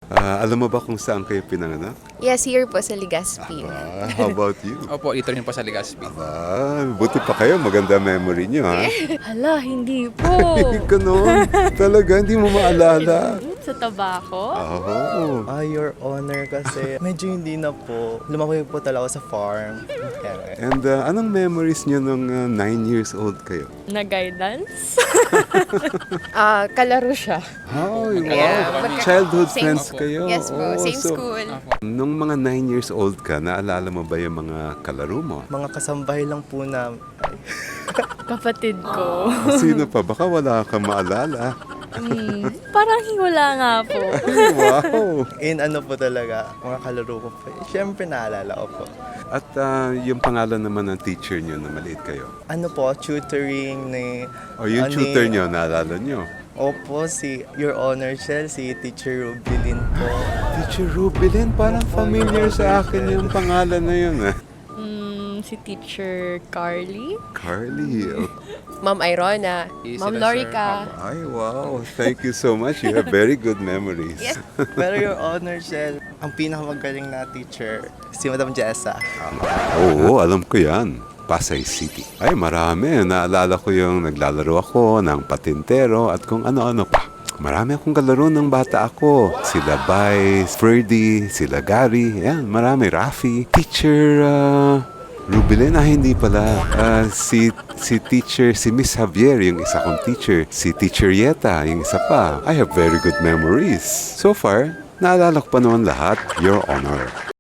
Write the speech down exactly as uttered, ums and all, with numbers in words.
Ah, alam mo ba kung saan kayo pinanganak? Yes, here po sa Legazpi. Ah, how about you? Opo, dito rin po sa Legazpi. Ah, buti pa kayo. Maganda memory nyo, ha? Hala, hindi po. Ganon. Talaga, hindi mo maalala. Sa tabako? Oo. Ah, Your Honor, kasi medyo hindi na po. Lumaki po talaga ako sa farm. Kaya, And uh, anong memories nyo nung uh, nine years old kayo? Na guidance? Ah, kalaro siya. Oh, wow. Yeah. Childhood Same- friends kayo. Yes po, Oh, same so, school. Nung mga nine years old ka, naalala mo ba yung mga kalaro mo? mga kasambahay lang po na Kapatid ko. Sino pa? Baka wala kang maalala. Hmm, parang wala nga po. Ay, wow. in ano po talaga, mga kalaro ko po. Siyempre naalala ko po. At uh, yung pangalan naman ng teacher nyo na maliit kayo? Ano po, tutoring ni... O yung ano tutor ni- nyo, naalala nyo? Opo, si Your Honor Shell, si Teacher Rubilin po. Teacher Rubilin, parang familiar sa akin yung pangalan na yun. Ah. Hmm, si Teacher Carly. Carly. oh. Ma'am Irona, Yes, Ma'am sila, Lorica. Ay, wow. Thank you so much. You have very good memories. Yes. Pero Your Honor Shell, ang pinakamagaling na teacher, si Madam Jessa. Oo, alam ko yan. Pasay City. Ay, marami. Naalala ko yung naglalaro ako ng patintero at kung ano-ano pa. Marami akong kalaro ng bata ako. Sila Vice, Ferdy, sila Gary. Yan, marami. Rafi. Teacher uh, Rubilin, ah, hindi pala. Ah, si, si teacher, si Miss Javier, yung isa kong teacher. Si Teacher Yeta, yung isa pa. I have very good memories. So far, naalala ko pa naman lahat. Your Honor.